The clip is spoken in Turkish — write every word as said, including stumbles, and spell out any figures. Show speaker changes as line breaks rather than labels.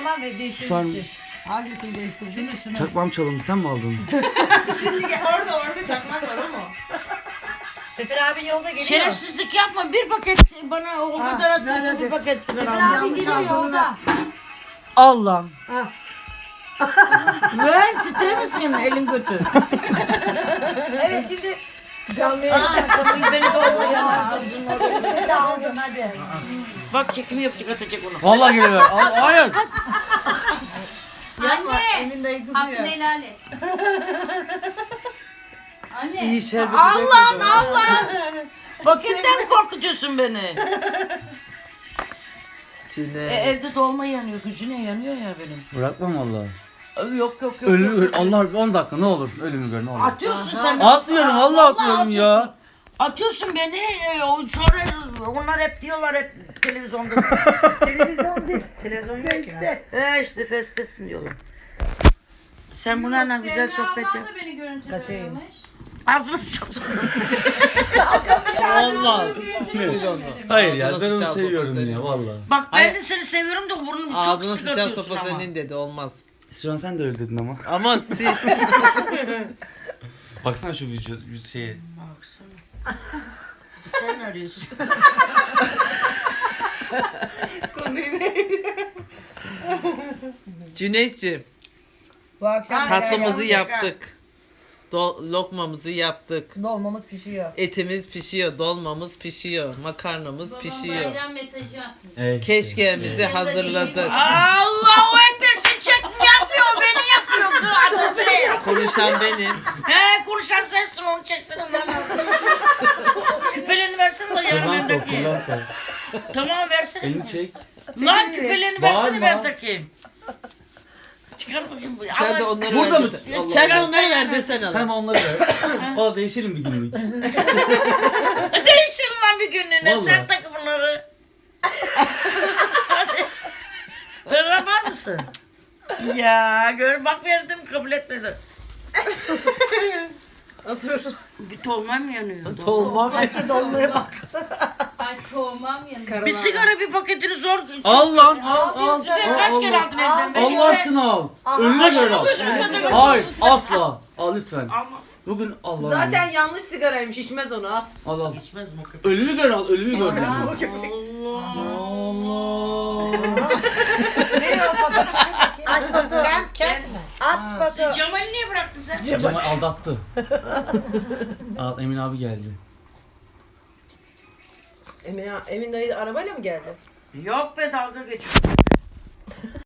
zaman ve değiştirirsin.
Hangisini değiştireceksin?
Şunu şunu.
Çakmam çalındı, sen mi aldın?
Şimdi gel. Orada orada çakmak var ama. Sefer abi yolda geliyor.
Şerefsizlik yapma. Bir paket bana o
Ha,
kadar
ver
atıyorsun
hadi.
bir paket sigara.
Sefer
alma.
abi
Yanlış
geliyor
aldığını
yolda.
Allah.
Ha.
Ver titremesin elin götü.
Evet şimdi.
Canlı yayın.
Aa kapıyı beni doğru yana.
Seni de aldın hadi.
Bak çekimi yapacak atacak onu.
Vallahi geliver. Al- Hayır.
Yapma.
Anne.
Emin dayı
Hakkını
kızıyor.
helal et. Anne.
İyi şerbeti
Allah'ın
dökmedi.
Allah'ın. Paketten mi korkutuyorsun beni?
Çile.
E, evde dolma yanıyor, güzüne yanıyor ya benim.
Bırakmam vallahi.
Yok yok yok.
Ölümü
yok.
gör. Allah on dakika ne olursun ölümü gör ne olur.
Atıyorsun sen.
Atmıyorum,
Aa,
vallahi atmıyorum ya.
atıyorsun. Atıyorsun beni. e, o- Sonra onlar hep diyorlar hep televizyonda.
Televizyon değil. Televizyon yok ya.
He işte festesin diyorlar. Sen bunlarla güzel sohbet yap.
Semra ablan da beni görüntülüyormuş.
Ağzını sıçarsın.
Allah.
Hayır ya
Ağzına
ben onu
sıçan
seviyorum
sopa
ya
senin.
vallahi.
Bak ben
Ay-
de seni seviyorum da burnumu çok
Ağzına
sık
sıçan
atıyorsun
sopa
ama.
senin dedi olmaz.
Şu an sen de öyle dedin ama.
Ama siz.
Baksana şu vücut vücut şeye.
Baksana. Sen arıyorsun.
Cüneyt'ciğim
Bu akşam
tatlımızı
neler
yaptık. Do- lokmamızı yaptık.
Dolmamız pişiyor.
Etimiz pişiyor, dolmamız pişiyor, makarnamız
Babam
pişiyor.
bayram mesajı atmış.
Evet.
Keşkeğimizi
Evet.
hazırladık.
Allahu Ekber sen çekim yapmıyor beni yapıyor kız adamcı.
Konuşan benim.
He konuşan sensin onu çeksene lan. Küpelerini versene de yarın ben
Kullan kol,
takayım.
kullan kol.
Tamam versene.
Elini çek.
Lan küpelerini versene
Bağırma.
ben takayım. Çıkar bakayım bu.
Sen de
Ama-
onları
Burada
ver.
mısın?
Allah
Sen de
Allah.
onları ver
desene
Sen onları ver. Valla değişelim bir günlük.
Değişin lan bir günlüğüne.
Vallahi.
Sen takı bunları. Hadi. Para var mısın? Ya gör bak verdim kabul etmedi. Bir tolma mı yanıyor?
Olmam.
Açı dolmaya bak.
Ay toğmam yanında.
Bir sigara bir paketini zor.
Al lan al al.
Ben kaç kere aldın elinden beni?
Allah aşkına al. Önüne göre al.
Gözünü satın.
Hayır asla. Al lütfen.
Ama
Bugün Allah.
Zaten yanlış sigaraymış içmez onu al.
al al.
içmez mi o köpek?
Ölümü gör al. Ölümü gör.
Aa,
Allah.
Ne o foto çıkın bakayım. Aç foto. Kent kent. Aç foto.
Cemal'i niye bıraktın sen?
Cemal aldattı. Al Emin abi geldi.
Emin, Emin dayı arabayla mı geldi?
Yok be dalga geçiyor.